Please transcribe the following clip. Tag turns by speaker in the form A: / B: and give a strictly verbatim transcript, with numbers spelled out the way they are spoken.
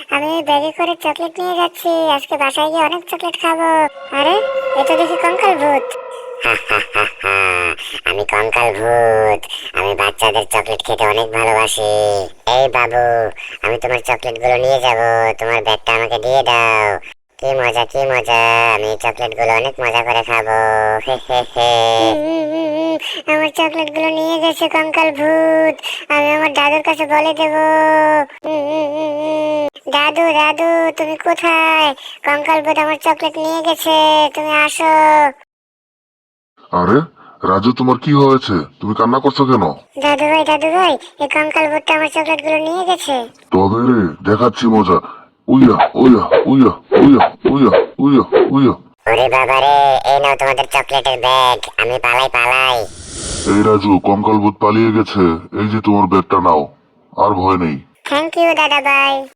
A: আমি ওই ব্যাগে করে চকলেট নিয়ে যাচ্ছি, আজকে বাসায় গিয়ে অনেক চকলেট খাবো। আরে এ তো দেখি কঙ্কাল ভূত। আমি কঙ্কাল ভূত, আমি বাচ্চাদের চকলেট খেতে অনেক ভালোবাসি। এই বাবু, আমি তোমার চকলেট গুলো নিয়ে যাব, তোমার ব্যাগটা আমাকে দিয়ে দাও। কি মজা কি মজা, আমি চকলেট গুলো অনেক মজা করে খাবো। হে হে হে। আমার চকলেট গুলো নিয়ে গেছে কঙ্কাল ভূত, আমি আমার দাদুর কাছে বলে দেব। দাদু দাদু তুমি কোথায়? কঙ্কাল ভূত আমার চকলেট নিয়ে গেছে, তুমি আসো।
B: আরে রাজু, তোমার কি হয়েছে? তুমি কান্না করছো কেন?
A: দাদু ভাই দাদু ভাই, এই কঙ্কাল ভূতটা আমার চকলেট গুলো নিয়ে গেছে।
B: তবে রে, দেখাচ্ছি মজা। উইয়া উইয়া উইয়া উইয়া উইয়া উইয়া উইয়া।
A: ওরে বাবা রে, এই নাও তোমাদের চকলেটের ব্যাগ, আমি পালাই পালাই।
B: এই রাজু, কঙ্কাল ভূত পালিয়ে গেছে, এই যে তোমার ব্যাগটা নাও, আর ভয় নেই।
A: থ্যাংক ইউ দাদা ভাই।